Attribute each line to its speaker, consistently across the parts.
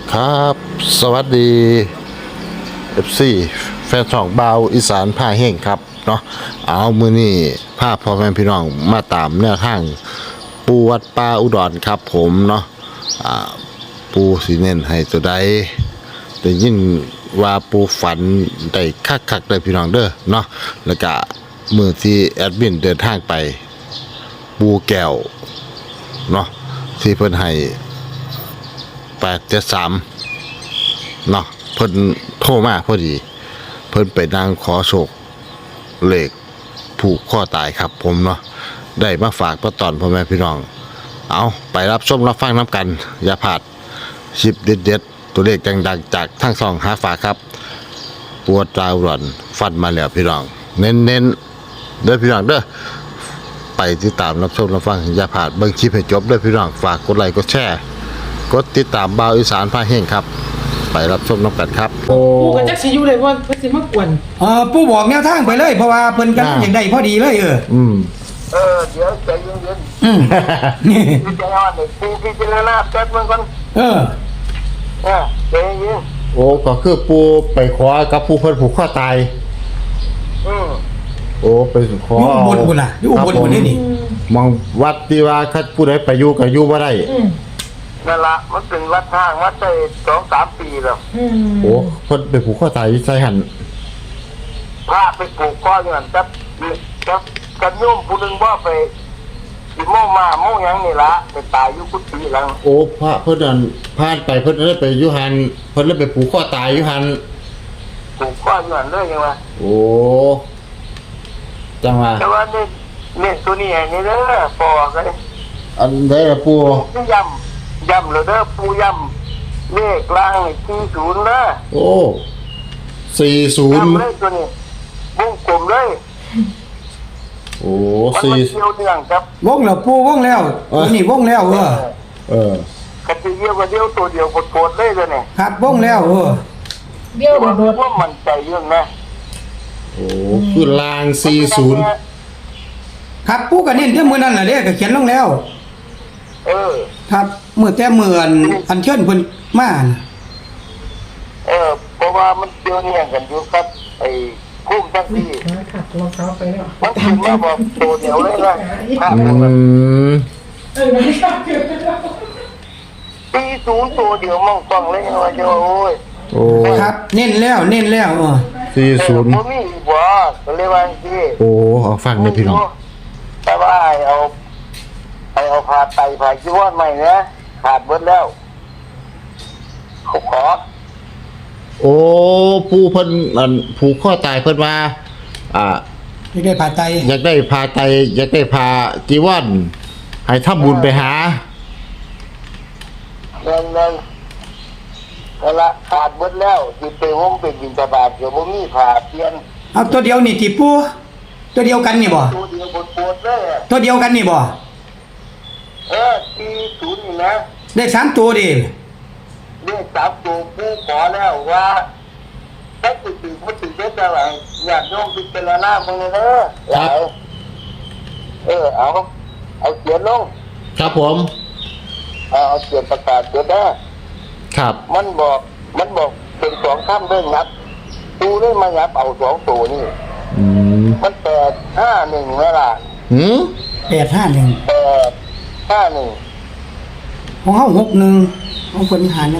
Speaker 1: ครับสวัสดี FC แฟนช่องบาวอีสานผ้าแห้งครับเนาะเอามือนี่ภาพพ่อแม่พี่น้องมาตามแนวทางปูวัดป่าอุดรครับผมเนาะปูสีเน้นให้ตัวใดได้ยินว่าปูฝันได้คักๆเลยพี่น้องเด้อเนาะแล้วก็มือที่แอดมินเดินทางไปปูแก้วเนาะที่เพิ่นให้873เนาะเพิ่นโทรมาพอดีเพิ่นไปนั่งขอโชคเลขผูกข้อตายครับผมเนาะได้มาฝากประตอนพ่อแม่พี่น้องเอาไปรับชมรับฟังน้ำกันอย่าพลาดคลิปเด็ดๆตัวเลขดังๆจากทั้งสองหาฝากครับปวดตาหล่อนฟันมาแล้วพี่น้องเน้นๆเด้อพี่น้องเด้อไปติดตามรับชมรับฟังอย่าพลาดเบิ่งคลิปให้จบเด้อพี่น้องฝากกดไลค์กดแชร์กดติดตามบ่าวอีสานพาแห้งครับไปรับชมน้ำกันครับโอ้
Speaker 2: กูก็จักสิอยู่เลยว่าเพิ่นสิมากวน
Speaker 3: ปู่บอกแนวทางไปเลยเพราะว่าเพิ่นกันอย่างใดพอดีเลย
Speaker 1: เดี๋ยว
Speaker 4: ใจเย็น
Speaker 3: อืมนี่
Speaker 4: ๆใจอ่อนเลยปูพิจารณาแป๊บนึงก่อน ใจเย็น
Speaker 1: โอ้ก็คือปูไปขอกับผู้เพิ่นผูกข้อตาย
Speaker 4: อืม
Speaker 1: โอ้ไปขอ
Speaker 3: อยู่อุบลพุ่นน่ะอยู่อุบลพุ่นนี่
Speaker 1: มองวัดที่ว่าคัดผู้ใดไปอยู่ก็อยู่บ่ได้
Speaker 4: นั่นละมันเป็นวัดทางวัดได้2-3 ปีแล้ว
Speaker 1: โอ้เพิ่นไปผูกข้อตายอยู่ใส่หัน
Speaker 4: พระไปปลูกข้ออยู่นั่นจับกันโยมผู้หนึงว่าไปสิโมมาโมหยังนี่ละไปตายอยู่กุฏิหลัง
Speaker 1: โอ้พระเพิ่นนั่นผ่านไปเพิ่นได้ไปอยู่หันเพิ่นเลยไปผูกข้อตายอยู่หัน
Speaker 4: ปลูกข้ออยู่นั่นเลยยังว่า
Speaker 1: โอ้จังว่า
Speaker 4: แต่ว่านี่ตัวนี้ให้นี่เด้อปอกัน
Speaker 1: อันใดล่ะปู
Speaker 4: ที่ย้ำเลยเด้อปูย้ำเลขล่างนี่40เด้อ
Speaker 1: โอ้40
Speaker 4: ย้ำเลยตัวนี้วงกลมเลย
Speaker 1: โอ้
Speaker 4: มันมาเกี่ยวเนื่องครับ
Speaker 3: วงแล้วปู่วงแล้วนี่วงแล้ว
Speaker 1: เออ
Speaker 4: กันทีเดียวก็เดียวตัวเดียวโคตรเลยเลยเนี่ย
Speaker 3: ครับวงแล้ว
Speaker 2: เดี๋ยว
Speaker 4: ว่า
Speaker 2: โดด
Speaker 4: ว่ามันใจเรื่องนะ
Speaker 1: โอ้คือลาง40
Speaker 3: ครับปู่ก็เน้นที่มื้อนั้นน่ะเด้ก็เขียนลงแล้ว
Speaker 4: เออ
Speaker 3: ครับมื้อแต่มื้ออันเชิญเพิ่นมาน่ะ
Speaker 4: เพราะว่ามันเกี่ยวเนื่องกันอยู่ครับไอ้คุ้มทั้งที่
Speaker 2: ขัดรองเท้าไปแล้ว
Speaker 4: มันถึงมาบอกตัวเดียวเลยนะภาพ
Speaker 1: ม
Speaker 2: ไม่ชอบเกิน
Speaker 4: ปี0ตัวเดียวมองฟังเลยว่าจะโอ้ย
Speaker 1: โอ้
Speaker 3: ครับเน้นแล้ว
Speaker 1: 40
Speaker 4: ผมมีอีกว่าก็เลยว่าที่
Speaker 1: โอ้เอาฟังเลยพี่น้อง
Speaker 4: แต่ว่าเอาผ่าไตผ่าจีวรใหม่นะขาดเบิดแล้วเขาขอ
Speaker 1: โอ้ผู้เพิ่นอันผูกข้อตายเพิ่นว่า
Speaker 3: นี่ได้ผ่าไต
Speaker 1: อยากได้พาไตอยากได้พาจีวรให้ทำบุญไปหา
Speaker 4: เงินนั่นละขาดเบิดแล้วสิไปห้องเป็นบิณฑบาตเดี๋ยวบ่มีผ่าเปลี่ยน
Speaker 3: เอาตัวเดียวนี่ติปู่ตัวเดียวกันนี่บ่
Speaker 4: ตัวเดียวปวดๆเลยอะ
Speaker 3: ตัวเดียวกันนี่บ่
Speaker 4: ที่ศูนย์นี่นะ
Speaker 3: ได้3ตัวดิ
Speaker 4: เรียก3ตัวผู้ขอแล้วว่าถ้าติดมันติดได้แต่ว่าอยากโยมพิจารณามึงเลยเด้อหลายเอาเขียนลง
Speaker 1: ครับผม
Speaker 4: เอาเขียนประกาศเขียนได้
Speaker 1: ครับ
Speaker 4: มันบอกเป็น2ค่ำเรื่องนับตูได้มายับเอา2ตัวนี่
Speaker 1: อืม
Speaker 4: มัน851เวลา
Speaker 1: หืม
Speaker 3: 851
Speaker 4: 851
Speaker 3: ของเฮา61ของเพิ่น51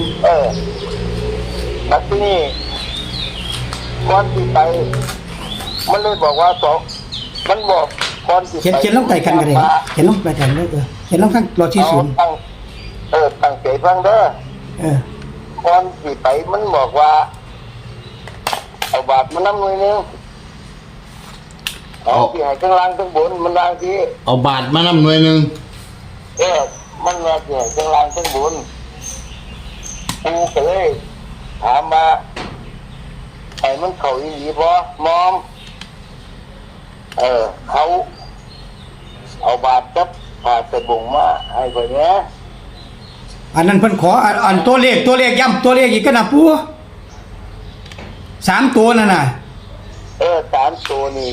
Speaker 4: แล้วที่นี่ก่อนที่ไปมันเลยบอกว่ามันบอกก่อนที่ไป
Speaker 3: เขียนลงใต้กันก็ได้เขียนลงใต้กันเลยเขียนลงข้างรอที่ศูนย์
Speaker 4: ตั้งใจฟังเด้อ ก่อนที่ไปมันบอกว่าเอาบาทมันน้ำหน่วยนึงเอาที่ให้ข้างล่างข้างบนมันล่างที่
Speaker 1: เอาบาทมานำหน่วยหนึง
Speaker 4: มันมาที่ให้ข้างล่างข้างบนกูก็เลยถามมาไอ้มันเขาอีหลีบ่มอมเขาเอาบาทกับผ่าสบงมาให้ไปเนี้ย
Speaker 3: อันนั้นเพิ่นขออันตัวเลขย้ำตัวเลขอีกกันนะปู่3ตัวนั่นน่ะ
Speaker 4: 3ตัวนี่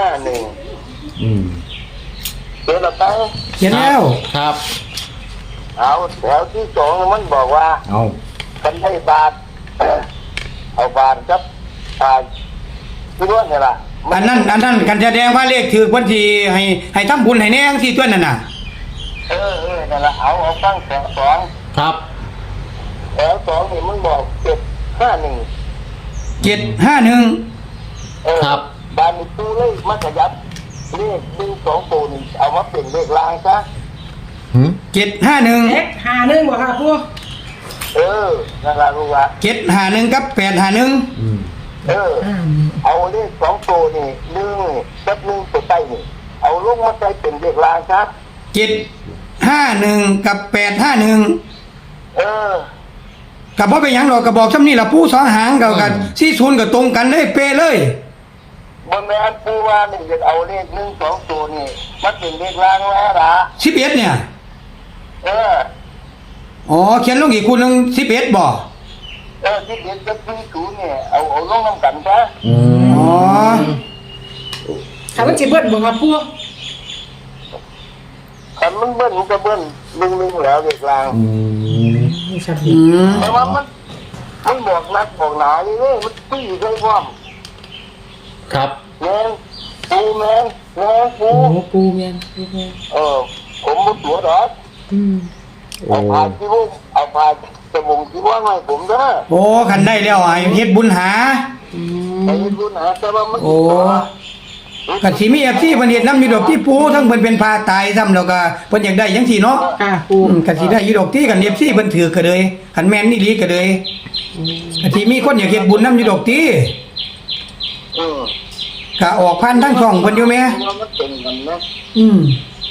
Speaker 4: 851
Speaker 1: อืม
Speaker 4: เดี๋ยวเราตั้ง
Speaker 3: เขียนแล้ว
Speaker 1: ครับ
Speaker 4: เอาแถวที่สองมันบอกว่า
Speaker 3: เอา
Speaker 4: ฉันให้บาท เอาบาทครับที่ว่าเนี่ยล่ะ
Speaker 3: อันนั้นกันแสดงว่าเลขถือวันที่ให้ทำบุญให้แน่จังซี่ตัวนั่นน่ะ
Speaker 4: นั่นล่ะเอาฟังแถวสอง
Speaker 1: ครับ
Speaker 4: แถวสองนี่มันบอก751
Speaker 3: 751
Speaker 1: ครับ
Speaker 4: บานนี้ตู้เลยมันขยับเลข1 2ตัวนี่เอามาเป็นเลขลางซะ
Speaker 1: หืม
Speaker 3: 751
Speaker 2: เอ็กหาหนึ่งบ่ค่ะปู
Speaker 4: นั่นล่ะรู้ว่า
Speaker 3: 751กับ851
Speaker 1: อืม
Speaker 4: เอาเลข2ตัวนี่1กับ1ตัวใต้นี่เอาลงมาใส่เป็นเลขลางซะ
Speaker 3: 751กับ851ก็บ่เป็นหยังดอกก็บอกซำนี้ล่ะผู้สองหางกัน40ก็ตรงกันเลยเป๊ะเลย
Speaker 4: บนแม่นปูว่านี่จะเอาเลข1 2ตัวนี่มันเป็นเลขลางแล้วล่ะ
Speaker 3: 11เนี่ย
Speaker 4: เออ
Speaker 3: อ๋อเขียนลงอีกคู่หนึง11บ่
Speaker 4: ที่เด็กกับที่ศูนย์เนี่ยเอาลงน้ำกันซะ
Speaker 1: อื
Speaker 3: อ๋อ
Speaker 2: ถามว่าจิเบิ้ลบ่ค่ะปู
Speaker 4: คันมันเบิ้ลมันก็เบิ้ลลึงแล้วเลขลาง
Speaker 1: อืม
Speaker 2: นี่ชัด
Speaker 3: อืม
Speaker 4: แต่ว่ามันบอกนักบอกหนานี่เลยมันตีใส่ความ
Speaker 1: ครับ
Speaker 4: แมนปูแมนปู
Speaker 2: โอ้ปูแม่นปูแม่น
Speaker 4: ผมมุดหัวดอก
Speaker 1: โอ้
Speaker 4: เอาผ่านที่วุ้เอาผ่านจมูกที่ว่าไงผมเด้อ
Speaker 3: โอ้คันได้แล้วให้เฮ็ดบุญหา
Speaker 4: ไอ้รุ่นหาแต่ว่ามัน
Speaker 3: โอ้ก็สิมี FC เพิ่นเฮ็ดนำอยู่ดอกที่ปูทั้งเพิ่นเป็นพาตายซ้ำแล้วก็เพิ่นอยากได้จังซี่เนาะ
Speaker 2: ค่ะปู
Speaker 3: ก็สิได้อยู่ดอกที่กัน FC เพิ่นถือก็เลยคันแม่นนี่ลีก็เลยก็สิมีคนอยากเฮ็ดบุญนำอยู่ดอกที่
Speaker 4: อืม
Speaker 3: ก็ออกพันทั้งช่องเพิ่นอยู่แม่
Speaker 4: มันเป็นกันนะ
Speaker 3: อืม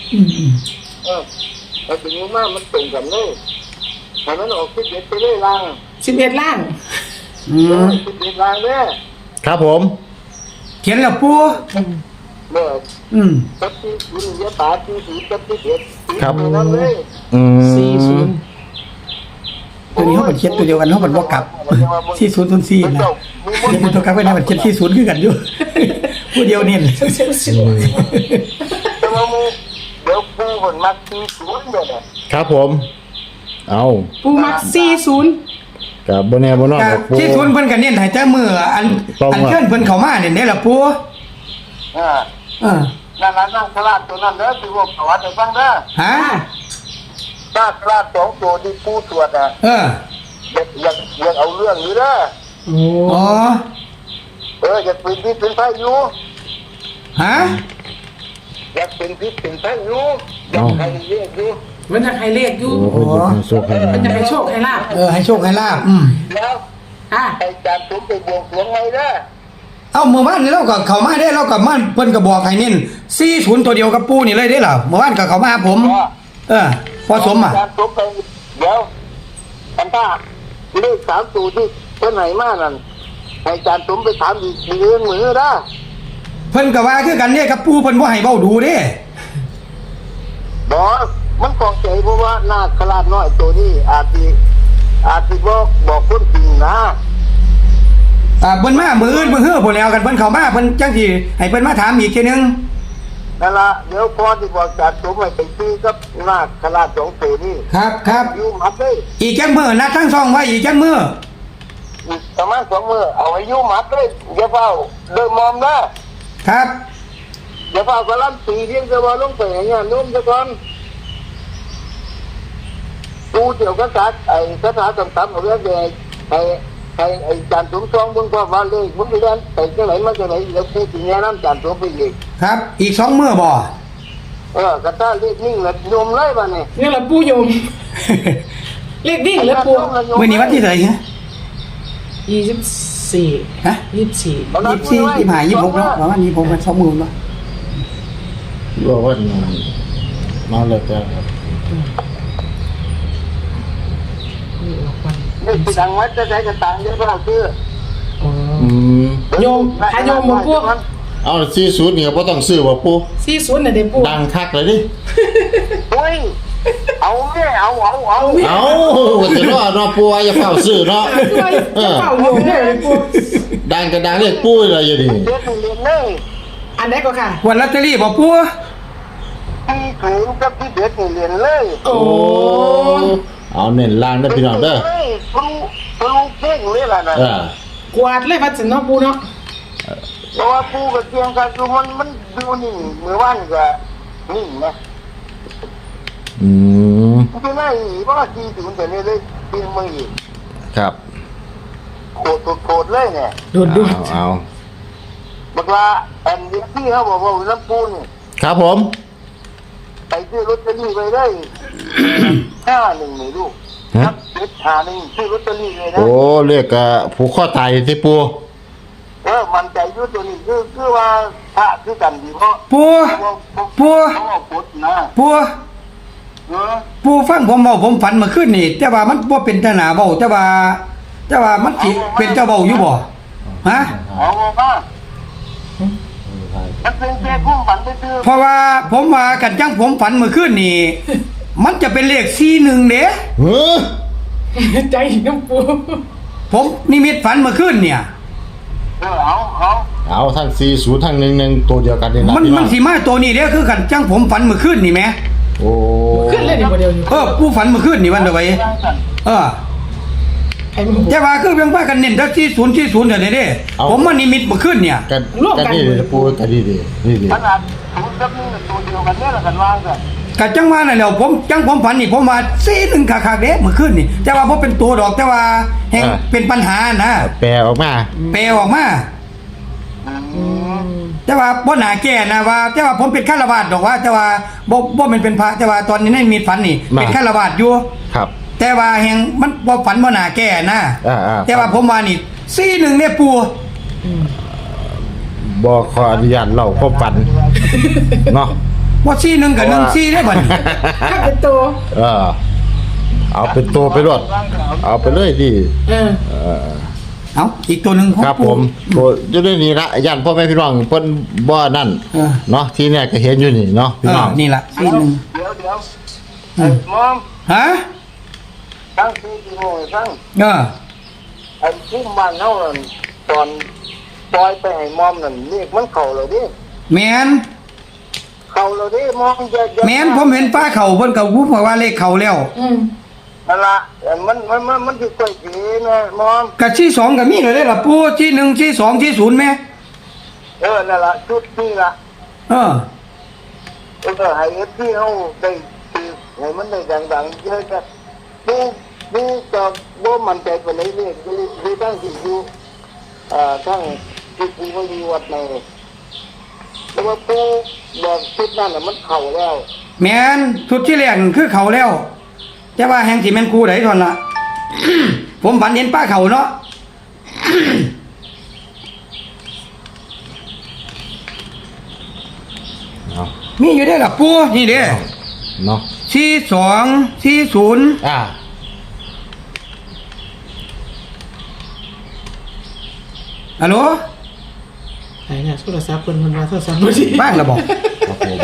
Speaker 4: ไอ้ถึงมากมันเป็นกันเลยให้มันออกที่เด็ดไปเลยล่าง
Speaker 2: 11ล่าง
Speaker 3: อืม
Speaker 4: ที่เด็ดล่างเนี่ย
Speaker 1: ครับผม
Speaker 3: เขียนแล้วปู
Speaker 4: เมื่อ
Speaker 3: อืม
Speaker 4: ตัดที่คุณยะตาที่สีตัดที่เด็ดนั่นเลย
Speaker 1: อืม
Speaker 2: 40
Speaker 3: ตัวนี้เฮาก็เขียนตัวเดียวกันเฮาบ่กลับ4004นะเขียนตัวกลับไว้นะมันเขียน40คือกันอยู่ ผู้เดียวนี่
Speaker 4: แต่ว่ามึงเดี๋ยวปูคนมักที่ศูนย์เดี๋ยวเนี่ย
Speaker 1: ครับผม เอา
Speaker 2: ปูมัก40
Speaker 1: กับบนแนบนนอก
Speaker 3: ก็
Speaker 1: กับปู
Speaker 3: ที่ทุนเพิ่นก็เน้นให้แต่มื้ออันเชิญเพิ่นเข้ามาเนี่ยเด้ล่ะปู
Speaker 4: นั่งสลาดตัวนั้นเด้อที่ว่าประวัติให้ฟังเด้อ
Speaker 3: ฮะ
Speaker 4: สลาดสองตัวที่ปูตรวจอ่ะ อยากเอาเรื่องอยู่เด้อ
Speaker 2: โอ้
Speaker 3: อ๋อ
Speaker 4: อยากเป็นพิษเป็นไฟอยู่
Speaker 3: ฮะ
Speaker 4: อยากเป็นพิษเป็นไฟอยู่อยากให้เรียกอยู่
Speaker 2: มันจะให้เลขอยู่
Speaker 1: โอ้โหโชคให้
Speaker 2: มันจะให้โชคให้ลาบ
Speaker 3: ให้โชคให้ลาบ
Speaker 4: แล้ว
Speaker 2: อ่ะ
Speaker 4: ไอ้จานผมไปบวงสรวงไงเด้อ
Speaker 3: เอ้าเมื่อวานนี่เราก็เข้ามาได้เราก็มาเพิ่นก็บอกให้เน้น40ตัวเดียวกับปูนี่เลยเด้ล่ะเมื่อวานก็เข้ามาหาผม พอสมอ่ะ
Speaker 4: จานผมไปเดี๋ยวอันถ้าเลข3ตัวที่เพิ่นให้มานั่นให้จานผมไปถามอีกเรื่องมือเด้อ
Speaker 3: เพิ่นก็ว่าคือกันเนี่ยกับปูเพิ่นบ่ให้เว้าดูเด้
Speaker 4: บอกมันกองใจเพราะว่านาคราชน้อยตัวนี้อาจสิบอกคนจริงนะ
Speaker 3: เพิ่นมามื้ออื่นมื้อฮื้อพุ่นแล้วกันเพิ่นเข้ามาเพิ่นจังสิให้เพิ่นมาถามอีกทีนึง
Speaker 4: นั่นละเดี๋ยวพอที่บอกจัดสมให้ไปซื้อกับนาคราชสองตัวนี้
Speaker 3: ครับ
Speaker 4: อยู่มัดเลย
Speaker 3: อีกจังมื้อนัดทั้งสองไว้อีกจังมื้อ
Speaker 4: อีกประมาณ2 มื้อเอาให้อยู่มัดเลยอย่าเฝ้าเดินมอมนะครับ อย่าเฝ้ากะลันตีเรียงจะว่าลงไปให้งานโน้มซะก่อนดูเดี๋ยวก็สักไอ้คาถาต่ำๆเอาเรื่องใหญ่ไอ้จานสมทองเบิ่งว่าเลขมันไปเล่นไปจังไหนมาจังไหนเดี๋ยวพูดถึงแนะนำจานสมไปอีก
Speaker 3: ครับอีก2มื้อบ่
Speaker 4: กระต้าเลขนิ่งแล้วโยมเลยบ้านี่
Speaker 2: นี่แหละปูโยม เลขดิ่งแล้วปู
Speaker 3: มื้อนี้วันที่เท่าไหร่ฮะ
Speaker 2: 24
Speaker 3: ฮะ
Speaker 2: 24
Speaker 3: 24 25 26เนาะประมาณนี้ผมก็2มื้อเนาะ
Speaker 1: บอกว่ามาเลยจ้ะ
Speaker 4: นี่คือดังวัดจะใช้กระตังเยอะก็เอาซื้อ
Speaker 2: อ๋อ
Speaker 1: อืม
Speaker 2: โยมหาโยมบ่ปู
Speaker 1: เอา40เนี่ยบ่ต้องซื้อบ่ปู
Speaker 2: 40น่ะเด้ปู
Speaker 1: ดังคักเลยดิ
Speaker 4: เฮ้ยเอาแม่เอา
Speaker 1: เอาจะรอดเนาะปูอย่าเฝ้าซื้อเนาะ
Speaker 2: จะเฝ้าโยมได้เลยปู
Speaker 1: ดังก็ดังเรียกปูเลยอยู่ดิ
Speaker 4: เด็กเรียนเลย
Speaker 2: อันไหนก็ค่ะ
Speaker 3: วันลอตเตอรี่บ่ปู
Speaker 4: ที่ศูนย์กับที่เด็ดนี่เรียนเลย
Speaker 2: โอ้
Speaker 1: เอาเน้นล่างได้อพี่น้องเด้อ
Speaker 4: เลยครูเก่งเลยล่ะนะ
Speaker 1: เออก
Speaker 2: วาดเลยพัดสินเนาะปูเนาะ
Speaker 4: เพราะว่าปูกับเตียงกันคือมันดูนิ่งเมื่อวานก็นิ่งนะ
Speaker 1: อืม
Speaker 4: มันเป็นไงเพราะว่าที่ศูนย์แต่เนี่ยเลยปีนมืออีก
Speaker 1: ครับ
Speaker 4: โคตรเลยเนี่ย
Speaker 2: โดด
Speaker 1: เอา
Speaker 4: บอกว่าอันนี้ที่เขาบอกว่าน้ำปูน
Speaker 1: ครับผม
Speaker 4: ไปซื้อลอตเตอรี่ไปได้51นี่ลูกครับ751ซื้อลอตเตอรี่เลยนะ
Speaker 1: โอ้เรียกผูกข้อตายที่ปู
Speaker 4: มันใจอยู่ตัวนี้คือว่าพระคือกันดีเพราะ
Speaker 3: ปู ปู
Speaker 4: เขาเอาพุทธนะ
Speaker 3: ปู
Speaker 4: เออ
Speaker 3: ปูฟังผมเว้าผมฝันเมื่อคืนนี่แต่ว่ามันบ่เป็นทหารเว้าแต่ว่ามันสิเป็นเจ้าเว้าอยู่บ่ฮะ
Speaker 4: เอามามันเป็นแค่คุ้มฝันไปซื้อ
Speaker 3: เพราะว่าผมว่ากันจังผมฝันเมื่อคืนนี่ มันจะเป็นเลข41เด้
Speaker 1: เฮ้อ
Speaker 2: ใจน้ำปู
Speaker 3: ผมนิมิตฝันเมื่อคืนเนี่ย
Speaker 4: เอา
Speaker 1: เอาทั้ง40ทั้ง11ตัวเดียวกันนี่นะ
Speaker 3: มัน
Speaker 1: พี่น้
Speaker 3: มั
Speaker 1: อน ง
Speaker 3: สิมาตัวนี้เด้คือกันจังผมฝันเมื่อคืนนี่แหม
Speaker 1: โอ้
Speaker 2: ขึ้นเลยดีกว่าเดียวอยู่
Speaker 3: ผู้ฝันเมื่อคืนนี่วันเดียวไว้เออ
Speaker 2: ไอ้มึง
Speaker 3: แต่ว่าคือเพียงว่ากันเน้นแต่40เดี๋ยวนี้เด้ผมมานิมิตเมื่อคืนเนี่ย
Speaker 1: กันกันนี่เลยปูกันดีนี่ดี
Speaker 4: ขนาดศูนย์กับหนึ่งตัวเดียวกันเนี่ยแหละกันวางกัน
Speaker 3: ก็จังว่านั่นแหละผมฝันนี่ผมว่า41คักๆเด้เมื่อคืนนี่แต่ว่าบ่เป็นตัวดอกแต่ว่าแห่งเป็นปัญหานะ
Speaker 1: แปลออกมา
Speaker 3: แปลออกมา แต่ว่าบ่น่าแก้นะว่าแต่ว่าผมเป็นฆราวาสดอกว่าแต่ว่าบ่แม่นเป็นพระแต่ว่าตอนนี้ในมีฝันนี่เป็นฆราวาสอยู่
Speaker 1: ครับ
Speaker 3: แต่ว่าแห่งมันบ่ฝันบ่น่าแก้นะ แต่ว่าผมว่านี่41เนี่ยปู่
Speaker 1: บอกขออนุญาตเล่าความฝันเนาะ
Speaker 3: ว่า41กับ14ได้บัดนี้
Speaker 2: ถ้าเป็นตัว
Speaker 1: เอาเป็นตัวไปรวดเอาไปเลยดิ
Speaker 2: เออ
Speaker 3: เอ้าอีกตัวหนึงของ
Speaker 1: ครับผ
Speaker 3: ปู่
Speaker 1: มตัวอยู่ในนี้ละย่านพ่อแม่พี่น้องเพิ่นบ่นั่น
Speaker 3: เออ
Speaker 1: เนาะที่เนี่ยก็เห็นอยู่นี่เนาะพี่น้อง
Speaker 3: นี่ล่ะ
Speaker 4: เดี๋ยวมอม
Speaker 3: ฮะ
Speaker 4: ตั้งที่กี่โมงตั้ง
Speaker 3: เออ
Speaker 4: ไอ้ที่บ้านเขาตอนปล่อยไปให้มอมนั่นเรียกมันเข่าเลยดิ
Speaker 3: แม่น
Speaker 4: เข่าเลยดิมอมจะ
Speaker 3: แม่นผมเห็นฟ้าเขาเพิ่นก็พูดว่าเลขเขาแล้ว
Speaker 4: นั่นละมันจะค่อยดีนะมอม
Speaker 3: ก็ที่2ก็มีเลยเด้ล่ะปู่ที่1ที่2ที่0แม่
Speaker 4: นั่นละชุดนี้ละ
Speaker 3: เออ
Speaker 4: ให้ที่เขาได้คือให้มันได้ดังๆเยอะกันดูจะบ่มันใจไปเลยเนี่ยคือตั้งที่อยู่ทั้งที่ปูก็อยู่วัดในแต่ว่าปูบอกชุดนั้นน่ะมันเข่าแล้ว
Speaker 3: แม่นชุดที่แรกนั่นคือเขาแล้ว แต่ว่าแห่งที่แม่นครูไดทอนล่ะ ผมฝันเห็นป้าเขาเนาะ
Speaker 1: เอา
Speaker 3: มีอยู่ได้อล่ะปู่นี่เด้
Speaker 1: เนาะ
Speaker 3: 42 40ฮัลโหล
Speaker 2: ไหนเนี่ยโทรศัพท์เพิ่นมันมาโทรศัพท์บ่ดี
Speaker 3: บ้างละบอก
Speaker 1: ครับผม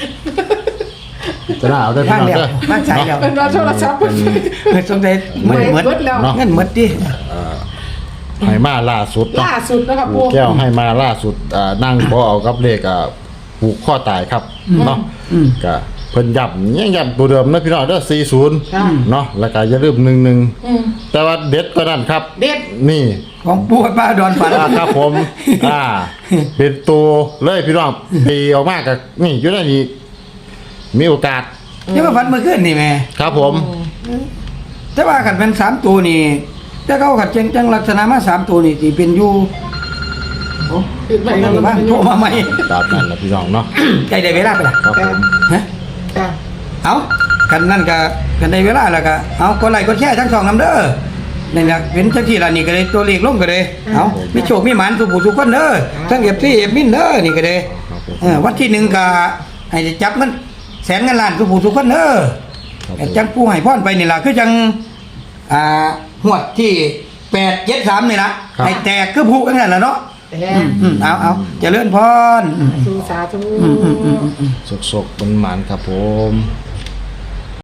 Speaker 1: จะน่าเอาได้พี่
Speaker 3: บ้าง
Speaker 1: น้อง
Speaker 3: แล้ว
Speaker 1: เด้อ
Speaker 3: บ้างใช้แล้ว
Speaker 2: เพิ่นมาโทรศัพท์เพิ่น
Speaker 3: เกิดสงสัยเหมือน
Speaker 2: เบิดแล้ว
Speaker 3: เงินเหมือนดิ
Speaker 1: ให้มาล่าสุดเนาะ
Speaker 2: ล่าสุดนะครับ
Speaker 1: ผู
Speaker 2: ปู
Speaker 1: กแก้วให้มาล่าสุดนั่งบ่เอากับเลขผูกข้อตายครับเนาะก็เพิ่นย้ำยังย้ำตัวเดิมนะพี่น้องเด้อ40เนาะแล้วก็อย่าลืม11แต่ว่าเด็ดกว่านั้นครับ
Speaker 2: เด็ด
Speaker 1: นี่
Speaker 3: ของปู่กับป้าดอนฝัน
Speaker 1: ครับผมเป็นตัวเลยพี่น้องตีออกมากับนี่อยู่ในนี้มีโอกาส
Speaker 3: เดี๋ยวมาฝันเมื่อคืนนี่แม่
Speaker 1: ครับผม
Speaker 3: แต่ว่าขันเป็น3ตัวนี่แต่เขาขัดจังลักษณะมา3ตัวนี่ที่เป็นอยู่โอ้
Speaker 2: ขึ้นไป
Speaker 3: ไม่
Speaker 2: แล้ว
Speaker 3: ได้บ้างโทรมาใหม่
Speaker 1: ตามนั้นนะพี่น้องเนาะ
Speaker 3: ใกล้ได้เวลาไปละ
Speaker 1: ครับผม
Speaker 3: ฮะ
Speaker 2: จ้ะ
Speaker 3: เอากันนั่นก็กันได้เวลาแล้วก็เอากดไลค์กดแชร์ทั้งสองนำเด้อนี่นะเป็นจังที่ละนี่ก็เลยตัวเลขลงก็เลยเอามีโชคมีหมานสุขทุกคนเด้อทั้งเอฟซีเอฟมินเด้อนี่ก็เลยวันที่1ก็ให้จับเงินแสนเงินล้านทุกคนเด้อจังผู้ให้พรไปนี่ล่ะคือจังหวดที่873นี่ล่ะให้แตกคือผู้กันนั่นล่ะเนาะ
Speaker 2: แต่
Speaker 3: เอาเจริญพร
Speaker 2: สาธุ
Speaker 1: สกๆมันหมานครับผม